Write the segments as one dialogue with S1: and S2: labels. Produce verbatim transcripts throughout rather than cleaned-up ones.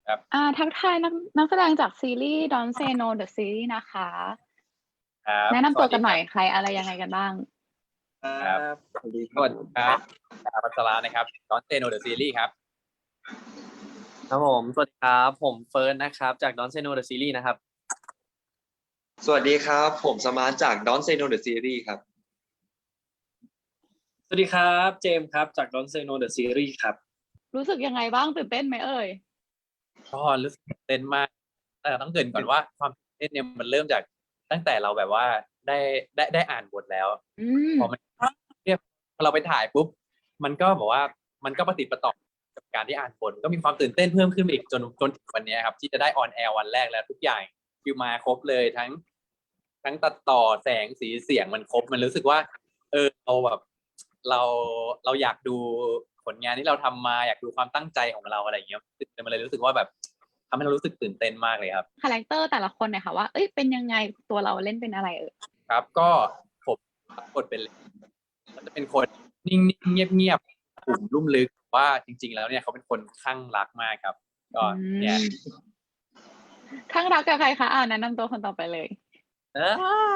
S1: ครับ
S2: อ่าทักทายนักนักแสดงจากซีรีส์ Don't Say No The Series นะคะ
S1: ครับ
S2: แนะนำ
S1: สวัสดีครั
S2: ตัวกันหน่อบ ยใครอะไรยังไงกันบ้าง
S1: ครับ
S3: สวัสดีค
S1: ส
S3: รับ
S1: วัสดีครับดาวัชระนะครับ Don't Say No The Series ครับ
S3: ครับผมสวัสดีครับผมเฟิร์สนะครับจาก Don't Say No The Series นะครับ
S4: สวัสดีครับผมสมาร์ทจาก Don't Say No The Series ครับ
S5: สวัสดีครับเจมส์ครับจาก Don't Say No The Series ครับ
S2: รู้สึกยังไงบ้างตื่นเต้นไหมเอ่ย
S1: ก็รู้สึกตื่นเต้นมากแต่ต้องเกริ่นก่อนว่าความตื่นเต้นเนี่ยมันเริ่มจากตั้งแต่เราแบบว่าได้ได้ได้อ่านบทแล้ว
S2: อืม
S1: พอมันเนี่ยพอเราไปถ่ายปุ๊บมันก็บอกว่ามันก็ประติดประต่อกับการที่อ่านบทก็มีความตื่นเต้นเพิ่มขึ้นอีกจนจนถึงวันนี้ครับที่จะได้ออนแอร์วันแรกแล้วทุกอย่างคิวมาครบเลยทั้ง ทั้งตัดต่อแสงสีเสียงมันครบมันรู้สึกว่า เออเราแบบเราเราอยากดูผลงานที่เราทำมาอยากดูความตั้งใจของเราอะไรอย่างเงี้ยมันเลยรู้สึกว่าแบบทำให้เรารู้สึกตื่นเต้นมากเลยครับ
S2: คาแรคเตอร์แต่ละคนเนี่ยค่ะว่าเอ้ยเป็นยังไงตัวเราเล่นเป็นอะไรเอ่ย
S1: ครับก็ผมรับบทเป็นมันจะเป็นคนนิ่งๆเงียบๆกลุ่มลุ่มลึกว่าจริง ๆ แล้วเนี่ยเขาเป็นคนคลั่งรักมากครับ ก็เนี่ย
S2: ข้างรักกับใครคะอ่าแนะนำตัวคนต่อไปเลย
S3: เออ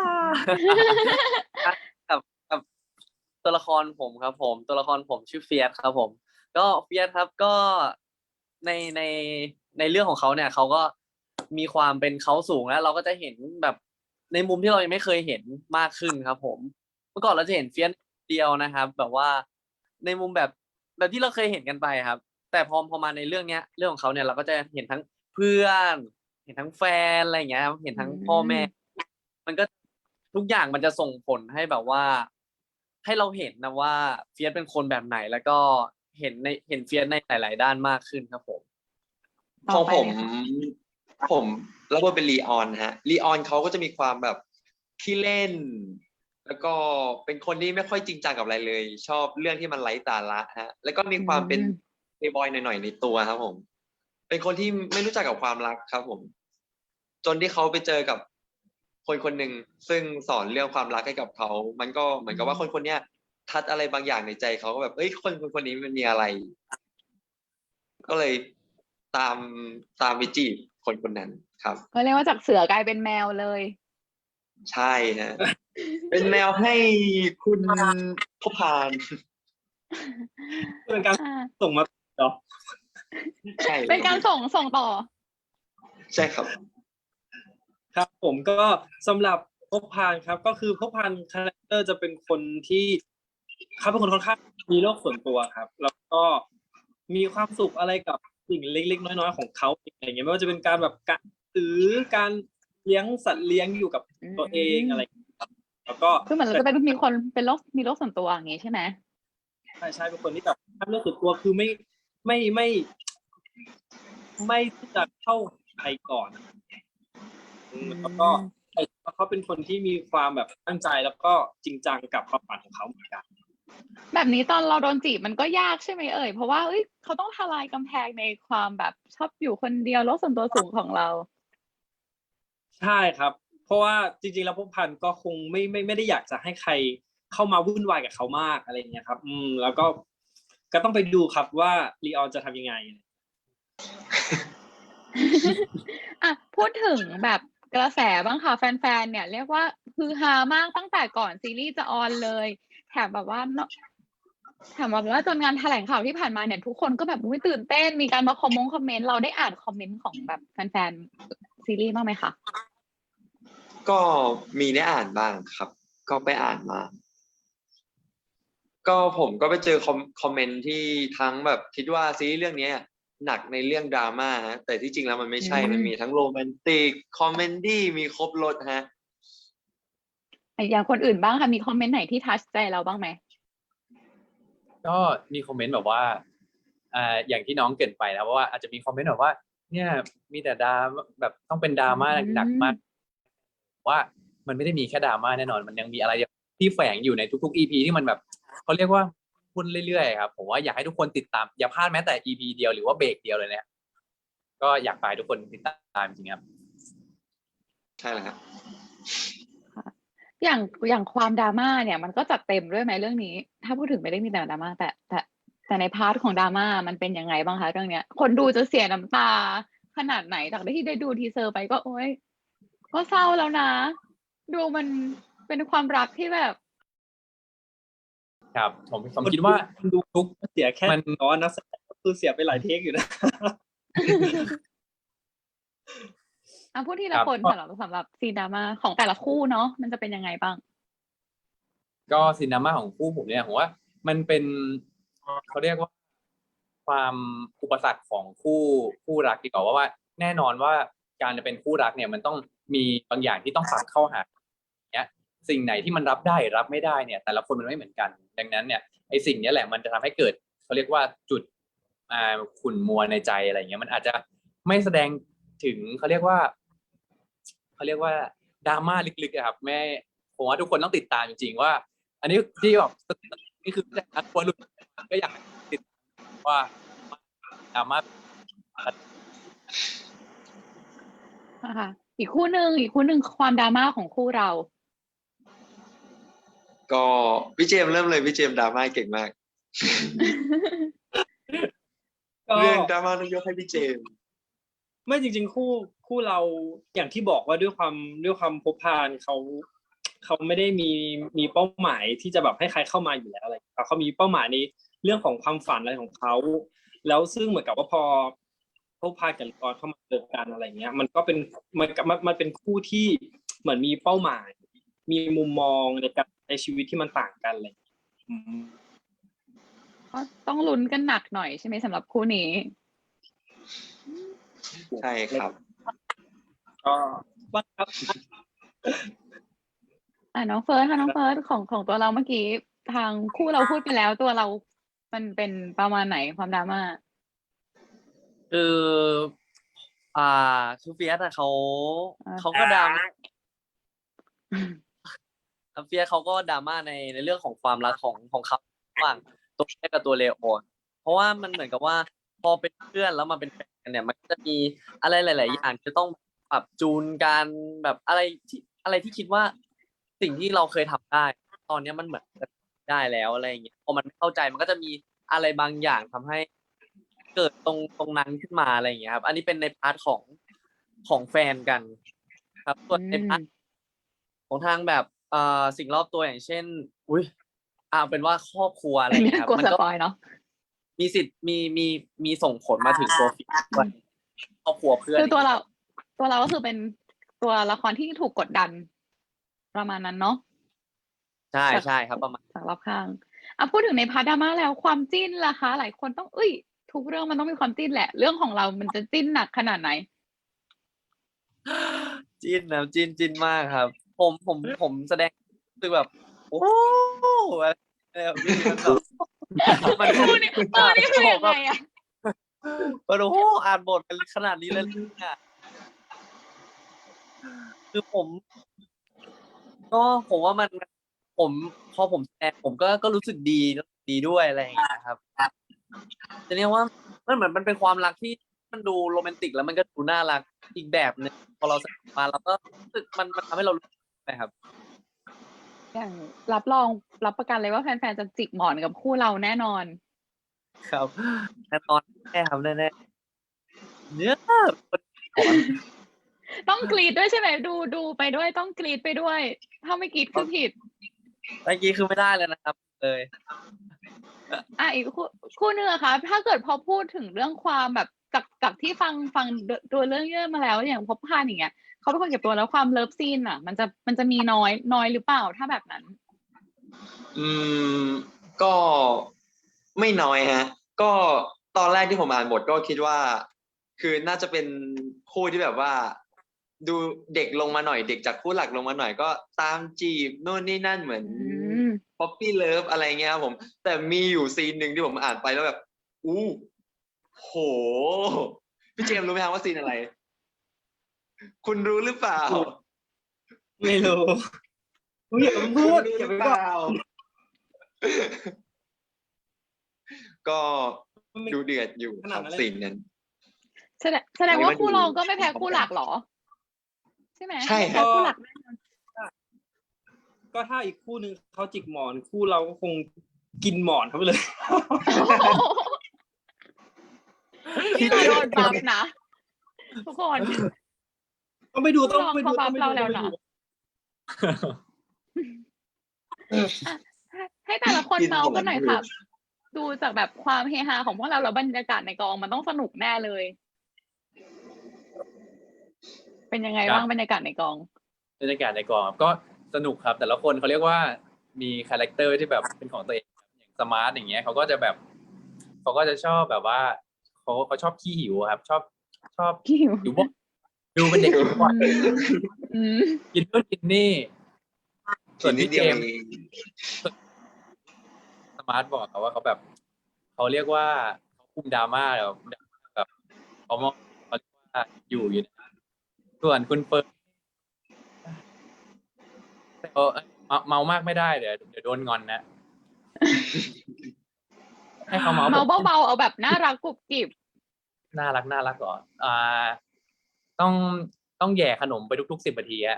S3: กับกับตัวละครผมครับผมตัวละครผมชื่อเฟียสครับผม ก็เฟียสครับก็ในในในเรื่องของเขาเนี่ยเขาก็มีความเป็นเขาสูงแล้ว เราก็จะเห็นแบบในมุมที่เรายังไม่เคยเห็นมากขึ้นครับผม เมื่อก่อนเราจะเห็นเฟียสเดียวนะครับ แบบว่าในมุมแบบแบบที่เราเคยเห็นกันไปครับ แต่พอพอมาในเรื่องเนี้ยเรื่องของเขาเนี่ยเราก็จะเห็นทั้งเพื่อน เห็นทั้งแฟนอะไรอย่างเงี้ยครับเห็นทั้งพ่อแม่ มันก็ทุกอย่างมันจะส่งผลให้แบบว่า ให้เราเห็นนะว่าเฟียสเป็นคนแบบไหน แล้วก็เห็นในเห็นเฟียสในหลาย ๆ ด้านมากขึ้นครับผม
S4: ข
S2: ต่
S4: อ
S2: อง ไป
S4: ผม
S2: เลยค่ะ
S4: ผมรับบทเป็นลีออนฮะลีออนเขาก็จะมีความแบบขี้เล่น แล้วก็เป็นคนที่ไม่ค่อยจริงจังกับอะไรเลย ชอบเรื่องที่มันไร้สาระฮะแล้วก็มีความเป็น
S2: อืม
S4: เพลย์บอยหน่อยๆในตัวครับผม เป็นคนที่ไม่รู้จักกับความรักครับผม จนที่เขาไปเจอกับคนคนหนึ่งซึ่งสอนเรื่องความรักให้กับเขา มันก็เหมือนกับว่าคนคนเนี้ยทัดอะไรบางอย่างในใจเขาก็แบบเอ้ยคนคนคนนี้มันมีอะไร ก็เลยตามตามไปจีบคนคนนั้นครับ
S2: ก็เรียกว่าจากเสือกลายเป็นแมวเลย
S4: ใช่ฮะ เป็นแมวให้คุณพพาน
S5: เป็นการ
S2: อ่า
S5: ส่งมาเนาะ
S4: ใช่
S2: เป็นการส่งส่งต่อ
S4: ใช่ครับ
S5: ครับผมก็สำหรับพบพานครับ ก็คือพบพานคาแรคเตอร์จะเป็นคนที่เขาเป็นคนค่อนข้างมีโลกส่วนตัวครับ แล้วก็มีความสุขอะไรกับสิ่งเล็ก ๆ น้อย ๆ ของเขาอย่างเงี้ยไม่ว่าจะเป็นการแบบการซื้อการเลี้ยงสัตว์เลี้ยงอยู่กับตัวเองอะไรอย่างเงี้ยครับแล้วก็
S2: คือเหมือนเราจะเป็นมีคนเป็นโรคมีโรคส่วนตัวอย่างงี้ใช่ไหม
S5: ใช่ใช่เป็นคนที่แบบทำเรื่องส่วนตัวคือไม่ไม่ไม่ไม่ที่จะเข้าใครก่อนอืมแล้วก็เขาเป็นคนที่มีความแบบตั้งใจแล้วก็จริงจังกับความฝันของเขาเหมือนกัน
S2: แบบนี้ตอนเราโดนจีบมันก็ยากใช่ไหมเอ่ยเพราะว่าเอ้ยเขาต้องทลายกำแพงในความแบบชอบอยู่คนเดียวโลกส่วนตัวสูงของเรา
S5: ใช่ครับ เพราะว่าจริงๆแล้วพวกพันธุ์ก็คงไม่ไม่ไม่ได้อยากจะให้ใครเข้ามาวุ่นวายกับเขามากอะไรอย่างเงี้ยครับ อืม แล้วก็ก็ต้องไปดูครับว่าลีออนจะทำยังไง
S2: อ่ะพูดถึงแบบกระแสบ้างค่ะแฟนๆเนี่ยเรียกว่าฮือฮามากตั้งแต่ก่อนซีรีส์จะออนเลยแถมแบบว่าเนอะแถมแบบว่าจนงานแถลงข่าวที่ผ่านมาเนี่ยทุกคนก็แบบอุ๊ยตื่นเต้นมีการมาคอมมงคอมเมนต์เราได้อ่านคอมเมนต์ของแบบแฟนๆซีรีส์บ้างไหมคะ
S4: ก็มีได้อ่านบ้างครับ ก็ไปอ่านมา ก็ผมก็ไปเจอคอมคอมเมนต์ที่ทั้งแบบคิดว่าซีรีส์เรื่องเนี้ยหนักในเรื่องดราม่าฮะแต่ที่จริงแล้วมันไม่ใช่
S2: อืม
S4: มันมีทั้งโรแมนติกคอมเมดี้มีครบรสฮะ
S2: อย่างคนอื่นบ้างค่ะมีคอมเมนต์ไหนที่ทัชใจเราบ้างไหม
S1: ก็มีคอมเมนต์แบบว่าอ่าอย่างที่น้องเกรินไปนะว่าอาจจะมีคอมเมนต์แบบว่า เนี่ยมีแต่ดราม่าแบบต้องเป็นดราม่า
S2: อืม
S1: หนักมากว่ามันไม่ได้มีแค่ดราม่าแน่นอน มันยังมีอะไรที่แฝงอยู่ในทุกๆ อี พี ที่มันแบบเขาเรียกว่าพูดเรื่อยๆครับผมว่าอยากให้ทุกคนติดตามอย่าพลาดแม้แต่ อี พี เดียวหรือว่าเบรกเดียวเลยเนี่ยก็อยากฝากให้ทุกคนติดตามจริงๆครับ
S4: ใช่แล้วครับ
S2: อย่างอย่างความดราม่าเนี่ยมันก็จัดเต็มด้วยไหมเรื่องนี้ ถ้าพูดถึงไม่ได้มีแต่ดราม่าแต่แต่แต่ในพาร์ทของดราม่ามันเป็นยังไงบ้างคะเรื่องเนี้ย คนดูจะเสียน้ำตาขนาดไหนจากที่ได้ดูทีเซอร์ไปก็โอ๊ยก็เศร้าแล้วนะ ดูมันเป็นความรักที่แบบ
S1: ครับ ผมผมคิดว่า
S5: ดู
S1: ทุก
S5: เสียแค่
S1: มัน
S5: น้อยนักแสดงก็คือเสียไปหลายเทคอยู่นะ
S2: อ่ะพูดที
S1: ค
S2: ละ
S1: รับ
S2: คน
S1: ก็
S2: สำหรับสำหรับซีนดราม่าของแต่ละคู่เนาะมันจะเป็นยังไงบ้าง
S1: ก็ซีนดราม่าของคู่ผมเนี่ยผมว่ามันเป็นเขาเรียกว่า ความอุปสรรคของคู่คู่รักดีกว่าว่าว่า แน่นอนว่าการจะเป็นคู่รักเนี่ย มันต้องมีบางอย่างที่ต้องปรับเข้าหาเนี้ย สิ่งไหนที่มันรับได้รับไม่ได้เนี่ย แต่ละคนมันไม่เหมือนกัน ดังนั้นเนี่ยไอ้สิ่งนี้แหละมันจะทำให้เกิดเขาเรียกว่าจุดอ่าขุ่นมัวในใจอะไรอย่างเงี้ยมันอาจจะไม่แสดงถึงเขาเรียกว่าเขาเรียกว่าดราม่าลึกๆอะครับแม่ผมว่าทุกคนต้องติดตามจริงๆว่า อันนี้ที่แบบนี่คืออันควรรู้ก็อยากติดว่าดราม่า
S2: นะคะอีกคู่หนึ่งอีกคู่หนึ่งความดราม่าของคู่เรา
S4: ก็พี่เจมส์เริ่มเลยพี่เจมส์ดราม่าเก่งมาก
S5: ก็
S4: เรื่องดราม่าต้องยกให้พี่เจมส์
S5: ไม่จริงๆคู่คู่เราอย่างที่บอกว่าด้วยความด้วยความพบพานเขาเขาไม่ได้มีมีเป้าหมายที่จะแบบให้ใครเข้ามาอยู่แล้วอะไรเขามีเป้าหมายในเรื่องของความฝันอะไรของเขาแล้วซึ่งเหมือนกับว่าพอพบพานกับกรเข้ามาเจอกันอะไรเงี้ย มันก็เป็นมันมันมันเป็นคู่ที่เหมือนมีเป้าหมาย มีมุมมองในการในชีวิตที่มันต่างกันเลย
S2: ก็ต้องลุ้นกันหนักหน่อยใช่ไหมสำหรับคู่นี้
S4: ใช่ครับ
S5: ก็บ้างครับ
S2: อ่ะน้องเฟิร์สค่ะน้องเฟิร์สของของตัวเราเมื่อกี้ทางคู่เราพูดไปแล้วตัวเรา มันเป็นประมาณไหนความดราม่า
S3: คืออ่าคือเฟียสอะเขา
S2: อ่า
S3: เขาก็ดราม่าเฟียสเขาก็ดราม่าในในเรื่องของความรักของของเขาระหว่างตัวเฟียสกับตัวเลโอเพราะว่ามันเหมือนกับว่าพอเป็นเพื่อนแล้วมาเป็นแฟนเนี่ย มันจะมีอะไรหลาย ๆ อย่างจะต้องปรับจูนกันแบบอะไรที่อะไรที่คิดว่าสิ่งที่เราเคยทำได้ ตอนนี้มันเหมือนจะได้แล้วอะไรอย่างเงี้ยพอมันไม่เข้าใจมันก็จะมีอะไรบางอย่างทำให้เกิดตรงตรงนั้นขึ้นมาอะไรอย่างเงี้ยครับ อันนี้เป็นในพาร์ทของของแฟนกัน ครับส่วนในพาร์ทของทางแบบเอ่อสิ่งรอบตัวอย่างเช่น อุ้ยอ่าเป็นว่าครอบครัวอะไรอย่างเงี้ยครับ
S2: กลัว
S3: มั
S2: ส
S3: ก็
S2: ปอยเนาะ
S3: มีสิทธิ์มีมีมีส่งผลมาถึงตัวฟิกด้วยครอบครัวเพื่อน
S2: คือตัวเรา ตัวเราก็คือเป็นตัวละครที่ถูกกดดัน ประมาณนั้นเนาะ
S3: ใช่ใช่ครับประมาณ
S2: จากรอบข้างอ่ะพูดถึงในพาร์ทดราม่าแล้วความจิ้นล่ะคะ หลายคนต้องเอ้ย ทุกเรื่องมันต้องมีความจิ้นแหละ เรื่องของเรามันจะจิ้นหนักขนาดไหน
S3: จิ้นนะจิ้นจิ้นมากครับ ผมผมผมแสดงคือแบบ โอ้อะไรแบบนี้มันแบบมัน
S2: คู่นี้เออนี่คือยังไงอะ
S3: มันโอ้อ่านบทกันขนาดนี้เลยเนี่ยคือผม ก็ผมว่ามันผมพอผมแสดงผมก็ก็รู้สึกดีดีด้วยอะไรอย่างเงี้ยครับจะเรียกว่ามันเหมือนมันเป็นความรักที่มันดูโรแมนติกแล้วมันก็ดูน่ารักอีกแบบนึงพอเราแสดงมาแล้วก็รู้สึกมันมันทำให้เรารู้สึกนะครับ
S2: อย่างรับรองรับประกันเลยว่าแฟนๆจะจิกหมอนกับคู่เราแน่นอน
S3: ครับแน่นอนแน่ครับแน่แน่เนี่ย
S2: ต้องกรีดด้วยใช่ไหมดูดูไปด้วยต้องกรีดไปด้วย ถ้าไม่กรีดคือผิด
S3: เมื่อกี้คือไม่ได้เลยนะครับเลย
S2: อ่ะอีกคู่คู่หนึงอะคะถ้าเกิดพอพูดถึงเรื่องความแบบจากจากที่ฟังฟังตัวเรื่องเยอะมาแล้วอย่างพบพานอย่างเงี้ยเขาเป็นคนเก็บตัวแล้วความเลิฟซีนอะมันจะมันจะมีน้อยน้อยหรือเปล่าถ้าแบบนั้น
S4: อืมก็ไม่น้อยฮะ ก็ตอนแรกที่ผมอ่านบทก็คิดว่า คือน่าจะเป็นคู่ที่แบบว่า ดูเด็กลงมาหน่อยเด็กจากคู่หลักลงมาหน่อยก็ตามจีบนู่นนี่นั่นเหมือน
S2: อืม
S4: ป๊อปปี้เลิฟอะไรเงี้ยครับผม แต่มีอยู่ซีนหนึ่งที่ผมอ่านไปแล้วแบบ อู้โห พี่เจมส์รู้ไหมครับว่าซีนอะไร คุณรู้หรือเปล่า
S5: ไม่รู้อุ๊ยอย่าไปพูดอย่าไปบอก
S4: ก็ดูเดือดอยู่
S5: ข
S4: ค
S5: นา
S4: รั
S5: ด
S4: บ
S5: นั้นเลย
S4: ซีนนั้น
S2: แสดงแสดงว่าคู่เราก็ไม่แพ้คู่หลักเหรอ ใช่ไหม
S4: ใช่
S2: ไม่
S4: ครั
S2: แพ้
S4: บ
S2: คู่หลักแน่นอน
S5: ก็ถ้าอีกคู่หนึ่งเขาจิกหมอนคู่เราก็คงกินหมอนเขาไปเลย
S2: นี่เราโดนบัฟนะทุกคน
S5: ต้องไปดูต้องไปดู
S2: ลอง
S5: ต้องไป
S2: เรา
S5: ดู
S2: แล้ว
S5: ต้องไป
S2: นะ
S5: ดู
S2: ให้ให้แต่ละคน
S4: กิน
S2: เมาส์กันหน่อย
S4: หมดเลย
S2: ค่ะ ดูจากแบบความเฮฮาของพวกเราแล้วบรรยากาศในกองมันต้องสนุกแน่เลย เป็นยังไง
S1: ครับ
S2: บ้างบรรยากาศในกอง
S1: บรรยากาศในกองครับก็สนุกครับ แต่ละคนเขาเรียกว่ามีคาแรคเตอร์ที่แบบเป็นของตัวเองครับอย่างสมาร์ทอย่างเงี้ยเขาก็จะแบบเขาก็จะชอบแบบว่าเขาเขาชอบขี้หิวครับ ชอบชอบ
S2: ขี้หิว
S1: หิวบ่อยดูเป็นเด็กหิวบ่อย
S2: อืม
S1: กินนู่นกินนี่ ส่วน
S4: นิด
S1: พี่
S4: เดี
S1: เจ
S4: ยว
S1: มส์
S4: เอง
S1: สมาร์ทบอกเขาว่าเขาแบบเขาเรียกว่าเขาคุมดราม่าแบบแบบเขามองเขาเรียกว่าอยู่อยู่นะส่วนคุณเฟิร์นแต่เออเมาเมามากไม่ได้เดี๋ยวเดี๋ยวโดนงอนนะ ให้เขาเมา
S2: เมา
S1: แบบ
S2: เบาๆเอาแบบน่ารักกรุบกริบ
S1: น่ารักน่ารักก่อนอ่า ต้องต้องแย่ขนมไปทุกๆสิบนาทีอะ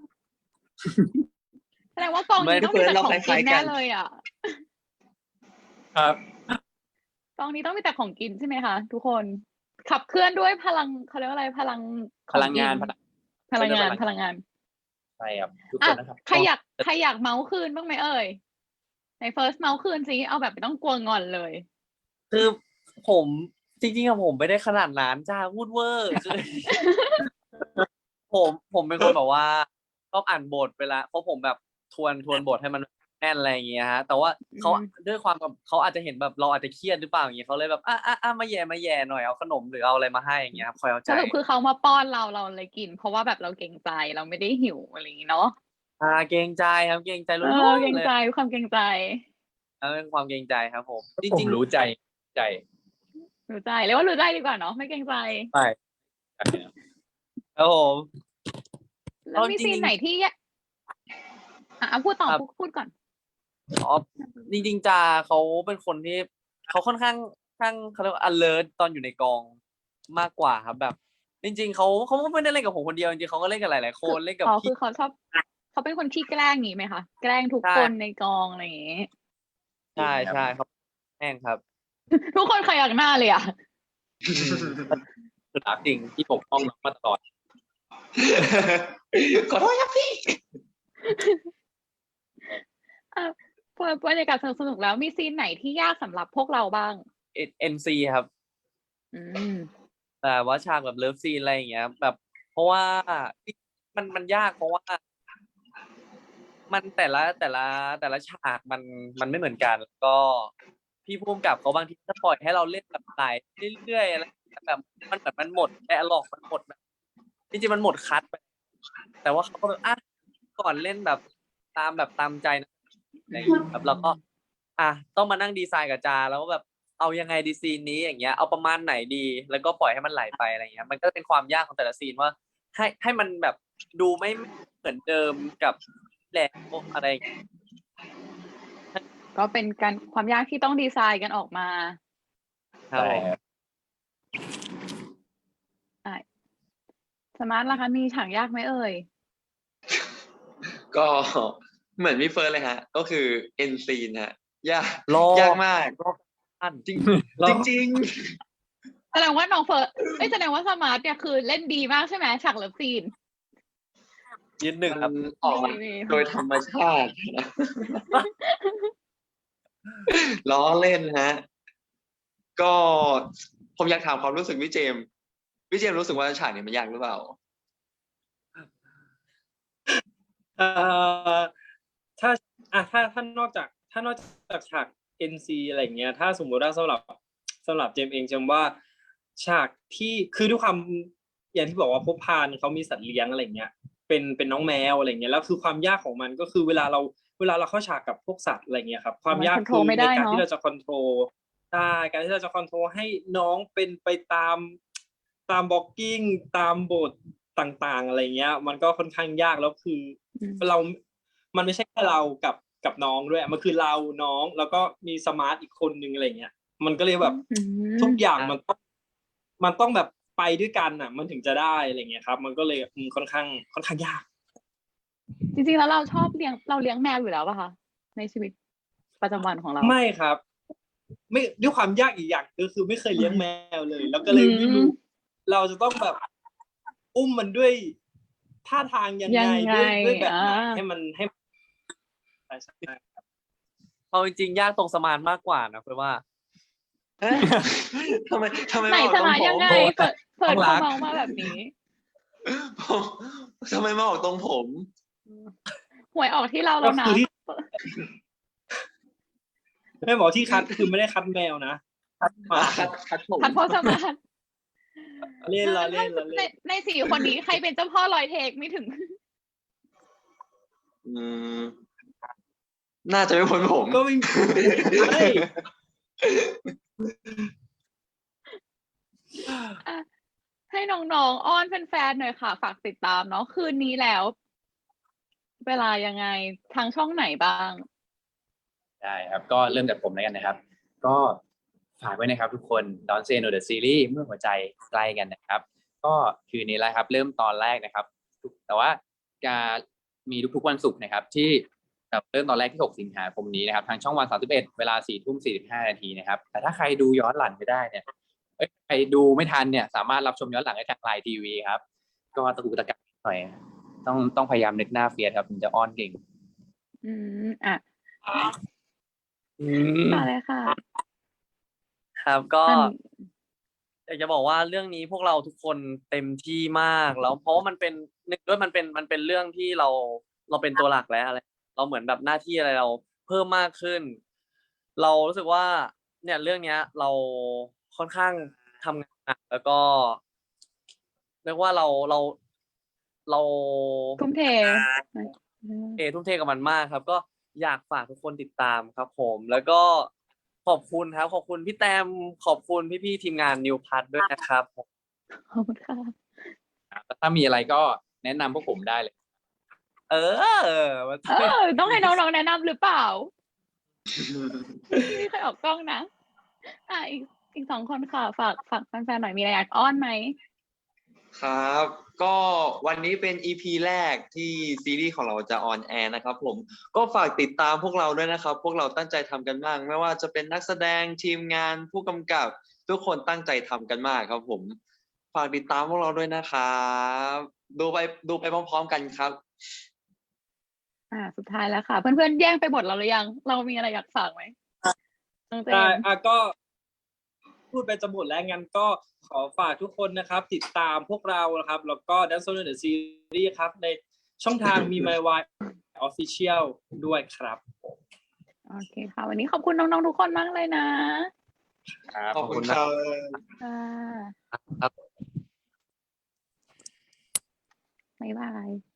S2: แสดงว่ากอง
S3: ไม่
S2: นี้ต้องมีแต่ของ
S4: เราค
S2: กิน
S4: ล้ายๆกั
S2: แน่
S4: น
S2: เลยอ่ะ
S1: ครับ
S2: กองนี้ต้องมีแต่ของกินใช่ไหมคะทุกคน ขับเคลื่อนด้วยพลังเขาเรียกว่าอะไรพลังข
S1: พ
S2: อ
S1: ลังงาน
S2: กิ
S1: พลัง
S2: พลังงาน
S1: พ
S2: พ
S1: ลั
S2: ลั
S1: ง
S2: งงาน
S1: ใช่ครับทุกค
S2: อ่ะ
S1: นนะครับ
S2: ใครอยากใครอยากเมาส์คืนบ้างไหมเอ่ยในเฟิร์สเมาส์คืนสิเอาแบบไม่ต้องกลัวงอนเลย
S3: คือผมจริงๆอะผมไม่ได้ขนาดนั้นจ้าพูดเวอร์คือ ผมผมเป็นคนแบบว่าชอบอ่านบทเวลาเพราะผมแบบทวนทวนบทให้มันแน่นอะไรอย่างเงี้ยฮะแต่ว่าเขา
S2: อืม
S3: ด้วยความกับเขาอาจจะเห็นแบบเราอาจจะเครียดหรือเปล่าอย่างเงี้ยเขาเลยแบบอ่ะอ่ะอ่ะมาแย่มาแย่หน่อยเอาขนมหรือเอาอะไรมาให้อย่างเงี้ยครับคอยเอา
S2: ส
S3: ใจ
S2: รุปคือเขามาป้อนเราเราเลยกิน เพราะว่าแบบเราเกรงใจเราไม่ได้หิวอะไรอย่างงี้เนาะ
S3: อ่าเกรงใจครับเกรงใจ
S2: เอ
S3: ล้
S2: อ
S3: วน
S2: เกร
S3: ๆ
S2: ง
S3: เลย
S2: ใจความเกรงใจ
S3: แล้วเป็นความเกรงใจครับผมจ
S1: ผม
S3: ริง
S1: รู้ใจใจ
S2: รู้ใจเรียกว่ารู้ใจดีกว่าเนาะไม่เกรงใจ
S3: ๆใช่ครับผม
S2: แล้วมี
S3: เอาจริงๆ
S2: ซีนไหนที่ยะอ่ะเอาพูดต่อ
S3: ครับ
S2: พูดพูดก่อน
S3: อ๋อจริงๆจาเขาเป็นคนที่เขาค่อนข้างข้างเขาเรียกว่า alert ตอนอยู่ในกองมากกว่าครับแบบ จริง ๆเขาเขาไม่ได้เล่นกับผมคนเดียวจริงๆเขาก็เล่นกับหลายๆคนเล่นกับ
S2: อ๋อคื
S3: พี่
S2: อเขาชอบเขาเป็นคนขี้แกล้งอย่างงี้ไหมคะแกล้งทุก
S3: ใช่
S2: คนในกองอะไรอย่างงี้
S3: ใช่ใช่ครับแม่งครับ
S2: ทุกคนขยักหน้าเลยอ่ะ
S1: รักจริงที่ปกป้องน้องมาตลอด
S4: ขอโทษครับพี่
S2: อ่ะพอบรรยากาศสนุกๆแล้วมีซีนไหนที่ยากสำหรับพวกเราบ้าง
S3: เอ็นซีครับ
S2: อืม
S3: แต่ว่าฉากแบบเลิฟซีนอะไรอย่างเงี้ย แบบ เพราะว่ามันมันยากเพราะว่า มันแต่ละแต่ละแต่ละฉากมันมันไม่เหมือนกันแล้วก็พี่ผู้กำกับเขาบางทีจะปล่อยให้เราเล่นแบบไหลเรื่อยๆอะไรแบบมันแบบมันหมดแอร์ล็อกมันหมดแบบจริงๆมันหมดคัทไปแต่ว่าเขาก็แบบอ่ะก่อนเล่นแบบตามแบบตามใจนะอะไรอย่างเงี้ยครับแล้วก็ อ่ะต้องมานั่งดีไซน์กับจาแล้วก็แบบเอายังไงดีซีนนี้อย่างเงี้ยเอาประมาณไหนดี แล้วก็ปล่อยให้มันไหลไปอะไรเงี้ยมันก็เป็นความยากของแต่ละซีนว่า ให้ให้มันแบบดูไม่เหมือนเดิมกับแหลกอะไรอย่างเงี้ย
S2: ก็เป็นการความยากที่ต้องดีไซน์กันออกมา
S3: ครับผม
S2: สมาร์ทล่ะคะมีฉากยากไหมเอ่ย
S4: ก็เหมือนพี่เฟิร์นเลยฮะ ก็คือเอ็นซีนฮะยาก
S3: รอย
S4: ากมาก
S3: อัน
S4: จริง
S5: รอ
S4: จริง
S2: แสดงว่าน้องเฟิร์สไม่แสดงว่าสมาร์ทเนี่ยคือเล่นดีมากใช่ไหมฉากเลิฟซีน
S3: ยืนหนึ่ง
S4: ๆ
S3: ครับ
S4: มันออกมา
S2: นี่
S4: โดยธรรมชาติ ล้อเล่นฮะ ก็ผมอยากถามความรู้สึกพี่เจมส์พี่เจมส์รู้สึกว่าฉากนี้มันยากหรือเปล่า
S5: เอ่อถ้าอ่ะถ้าถ้านอกจากถ้านอกจากฉาก เอ็น ซี อะไรอย่างเงี้ย ถ้าสมมติว่าสำหรับสำหรับเจมส์เองเจมส์ว่าฉากที่คือด้วยความอย่างที่บอกว่าพบพานเขามีสัตว์เลี้ยงอะไรเงี้ย เป็นเป็นน้องแมวอะไรเงี้ยแล้วคือความยากของมันก็คือเวลาเราเวลาเราเข้าฉากกับพวกสัตว์อะไรเงี้ยครับความยาก
S2: มัน
S5: คือ
S2: control ไม่ได้
S5: ในการ
S2: เนอะ
S5: ที่เราจะคอนโทรลได้การที่เราจะคอนโทรลให้น้องเป็นไปตามตามบล็อกกิ้งตามบทต่างๆอะไรเงี้ย มันก็ค่อนข้างยากแล้วคือ
S2: อืม
S5: เรา มันไม่ใช่แค่เรากับกับน้องด้วย มันคือเราน้องแล้วก็มีสมาร์ทอีกคนนึงอะไรเงี้ย มันก็เลยแบบ
S2: อืม
S5: ทุกอย่างมันต้องมันต้องแบบไปด้วยกันอ่ะ มันถึงจะได้อะไรเงี้ยครับ มันก็เลยอืมค่อนข้างค่อนข้างยาก
S2: จริงๆแล้วเราชอบเลี้ยงเราเลี้ยงแมวอยู่แล้วป่ะคะในชีวิตประจำวันของเรา
S5: ไม่ครับ ไม่ด้วยความยากอีกอย่างก็คือไม่เคยเลี้ยงแมวเลย แล้วก็เลยไม่รู้ เราจะต้องแบบอุ้มมันด้วยท่าทางยัง
S2: ยั
S5: ไง
S2: งไง
S5: ด้วยด้วยแบบไหน
S2: อ่า
S5: ให้มันให้มันใช่ใช่
S3: เอาจริงๆยากตรงสมานมากกว่านะเพื่อว่า
S4: เอ๊ะทำไมทำไม
S2: ไหน
S4: มาออก
S2: ส
S4: ตรง
S2: มาน
S4: ผ
S2: ยัง
S4: ม
S2: ไง เปิดเปิด
S1: ต้องรั
S2: เขา
S1: ก
S2: เมามาแบบนี้
S4: ผมทำไมมาออกตรงผม
S2: หวยออกที่เรา
S5: ก็
S2: แล้วนะ
S5: คือที่แม่บอกที่คัดคือไม่ได้คัดแมวนะคัดหมา
S4: คัดคัดผม
S2: ทันพ่อสมาน
S5: เล่นละเล่นละ
S2: ใน
S5: เล่น
S2: ในสี่คนนี้ใครเป็นเจ้าพ่อลอยเทคไม่ถึง
S4: อืมน่าจะไม่พ้นผม
S5: ก็ไม่ใช่
S2: อ่ะให้น้องๆอ้อนแฟนๆหน่อยค่ะ ฝากติดตามเนาะคืนนี้แล้ว เวลายังไงทางช่องไหนบ้าง
S1: ได้ครับก็เริ่มจากผมแล้วกันนะครับ ก็ฝากไว้นะครับทุกคน Don't Say No The Series เมื่อหัวใจใกล้กันนะครับ ก็คืนนี้แหละครับเริ่มตอนแรกนะครับ แต่ว่าจะมีทุกๆวันศุกร์นะครับ ที่แบบเริ่มตอนแรกที่หกสิงหาคมนี้นะครับทางช่องวันสามสิบเอ็ดเวลาสี่ทุ่มสี่สิบห้านาทีนะครับแต่ถ้าใครดูย้อนหลังไม่ได้เนี่ยเอ้ยใครดูไม่ทันเนี่ยสามารถรับชมย้อนหลังได้ทางไลน์ทีวีครับก็ตะกุกตะกักหน่อยต้องต้องพยายามนึกหน้าเฟียสครับถึงจะอ้อนเก่ง
S2: อืมอ่ะ
S3: อืม
S2: ต่อเลยค่ะ
S3: ครับก็
S2: อัน
S3: อยากจะบอกว่าเรื่องนี้พวกเราทุกคนเต็มที่มากแล้วเพราะว่ามันเป็นหนึ่งด้วยมันเป็นมันเป็นเรื่องที่เราเราเป็นตัวหลักแล้วอะไรเราเหมือนแบบหน้าที่อะไรเราเพิ่มมากขึ้น เรารู้สึกว่า เนี่ยเรื่องเนี้ย เราค่อนข้างทำงานหนักแล้วก็เรียกว่าเราเราเรา
S2: ทุ่มเท
S3: เอทุ่มเทกับมันมากครับ ก็อยากฝากทุกคนติดตามครับผม แล้วก็ขอบคุณครับ ขอบคุณพี่แต้มขอบคุณพี่ๆทีมงานนิวพัทด้วยนะครับ
S2: ขอบคุณค่ะ
S1: ถ้ามีอะไรก็แนะนำพวกผมได้เลย
S3: เออมา
S2: เออ ต้องให้น้องๆแนะนำหรือเปล่า ไม่เคยออกกล้องนะ อ่ะอีกอีกสองคนค่ะ ฝากฝากแฟนๆหน่อยมีอะไรอยากอ้อนไหม
S4: ครับ ก็วันนี้เป็น อี พี แรกที่ซีรีส์ของเราจะออนแอร์นะครับผมก็ฝากติดตามพวกเราด้วยนะครับ พวกเราตั้งใจทำกันมาก ไม่ว่าจะเป็นนักแสดงทีมงานผู้กำกับ ทุกคนตั้งใจทำกันมากครับผม ฝากติดตามพวกเราด้วยนะครับดูไปดูไปพร้อมๆกันครับ
S2: อ่า สุดท้ายแล้วค่ะ เพื่อนๆแย่งไปหมดเราหรือยัง เรามีอะไรอยากฝากไหมน้องเจ
S5: ได้
S2: มส์
S5: อ่ะก็พูดไปจะหมดแล้วงั้นก็ขอฝากทุกคนนะครับ ติดตามพวกเรานะครับ แล้วก็ Dance on the Series ครับ ในช่องทาง มี My Why Official ด้วยครับ
S2: โอเคค่ะ วันนี้ขอบคุณน้องๆทุกคนมากเลยนะ
S1: ครับ
S4: ขอบคุณครับ
S2: ค่ะ
S3: ครับ
S2: บ๊ายบาย